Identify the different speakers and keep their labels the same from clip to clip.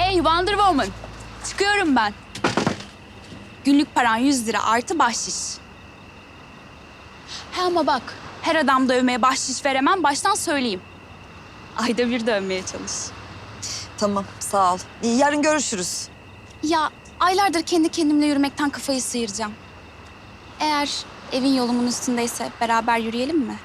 Speaker 1: Hey Wonder Woman. Çıkıyorum ben. Günlük paran 100 lira artı bahşiş. He ama bak, her adam dövmeye bahşiş veremem, baştan söyleyeyim. Ayda bir dövmeye çalış.
Speaker 2: Tamam, sağ ol. Yarın görüşürüz.
Speaker 1: Ya aylardır kendi kendimle yürümekten kafayı sıyıracağım. Eğer evin yolumun üstündeyse beraber yürüyelim mi?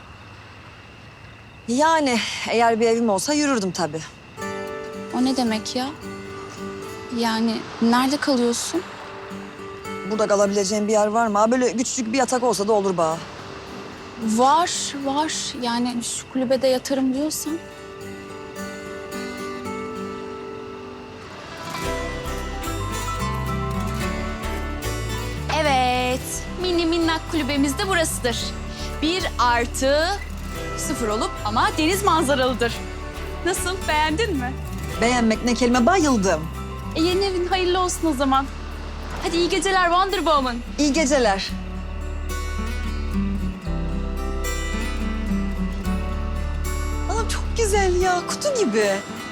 Speaker 2: Yani eğer bir evim olsa yürürdüm tabii.
Speaker 1: O ne demek ya? Yani nerede kalıyorsun?
Speaker 2: Burada kalabileceğim bir yer var mı? Ha, böyle küçücük bir yatak olsa da olur bana.
Speaker 1: Var. Yani şu kulübede yatarım diyorsan. Evet, mini minnak kulübemiz de burasıdır. 1+0 olup ama deniz manzaralıdır. Nasıl, beğendin mi?
Speaker 2: Beğenmek ne kelime, bayıldım.
Speaker 1: Yeni evin hayırlı olsun o zaman. Hadi iyi geceler Wonder Woman.
Speaker 2: İyi geceler. Anam çok güzel ya, kutu gibi.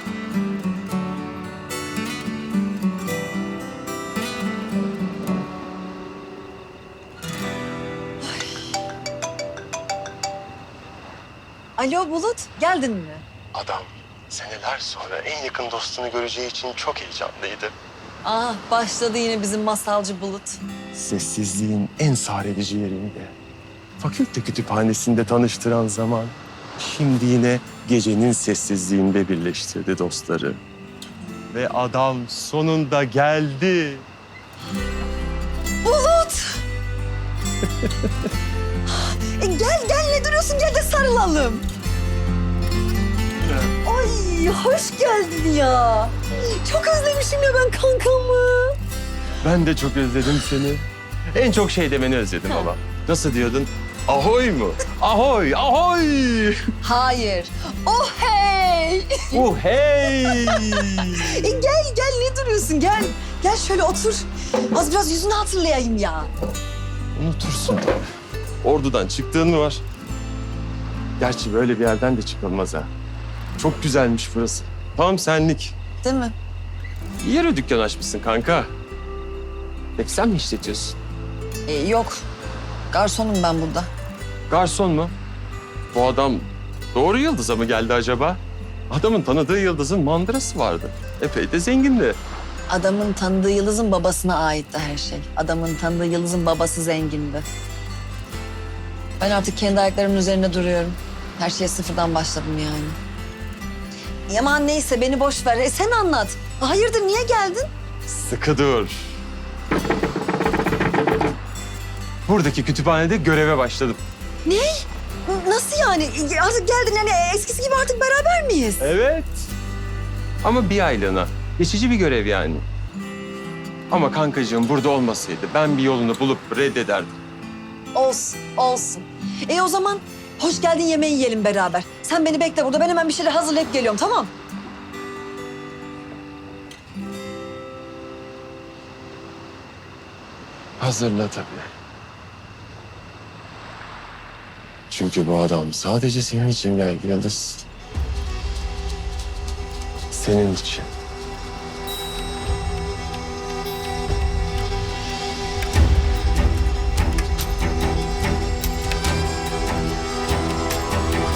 Speaker 2: Ay. Alo Bulut, geldin mi?
Speaker 3: Adam seneler sonra en yakın dostunu göreceği için çok heyecanlıydı.
Speaker 2: Ah, başladı yine bizim masalcı Bulut.
Speaker 3: Sessizliğin en sarelici yerinde. Fakülte kütüphanesinde tanıştıran zaman. Şimdi yine gecenin sessizliğinde birleştirdi dostları. Ve adam sonunda geldi.
Speaker 2: Bulut! Gel ne duruyorsun, gel de sarılalım. Ay hoş geldin ya. Çok özlemişim ya ben kankamı.
Speaker 3: Ben de çok özledim seni. En çok şey demeni özledim baba. Nasıl diyordun? Ahoy mu? Ahoy, ahoy!
Speaker 2: Hayır. Oh hey!
Speaker 3: Hey!
Speaker 2: Gel ne duruyorsun gel. Gel şöyle otur. Az biraz yüzünü hatırlayayım ya.
Speaker 3: Unutursun tabii. Ordudan çıktığın mı var? Gerçi böyle bir yerden de çıkılmaz ha. Çok güzelmiş burası. Tam senlik.
Speaker 2: Değil mi?
Speaker 3: İyi yere dükkan açmışsın kanka. Peki sen mi işletiyorsun?
Speaker 2: Yok. Garsonum ben burada.
Speaker 3: Garson mu? Bu adam doğru yıldıza mı geldi acaba? Adamın tanıdığı yıldızın mandırası vardı. Epey de zengindi.
Speaker 2: Adamın tanıdığı Yıldız'ın babasına aitti her şey. Adamın tanıdığı Yıldız'ın babası zengindi. Ben artık kendi ayaklarımın üzerinde duruyorum. Her şeye sıfırdan başladım yani. Aman neyse beni boş ver. Sen anlat. Hayırdır niye geldin?
Speaker 3: Sıkı dur. Buradaki kütüphanede göreve başladım.
Speaker 2: Ne? Nasıl yani? Artık geldin yani eskisi gibi artık beraber miyiz?
Speaker 3: Evet. Ama bir aylığına. Geçici bir görev yani. Ama kankacığım burada olmasaydı ben bir yolunu bulup reddederdim.
Speaker 2: Olsun. O zaman hoş geldin yemeği yiyelim beraber. Sen beni bekle burada. Ben hemen bir şeyler hazırlayıp geliyorum tamam?
Speaker 3: Hazırla tabii. Çünkü bu adam sadece senin için geldi Yıldız. Senin için.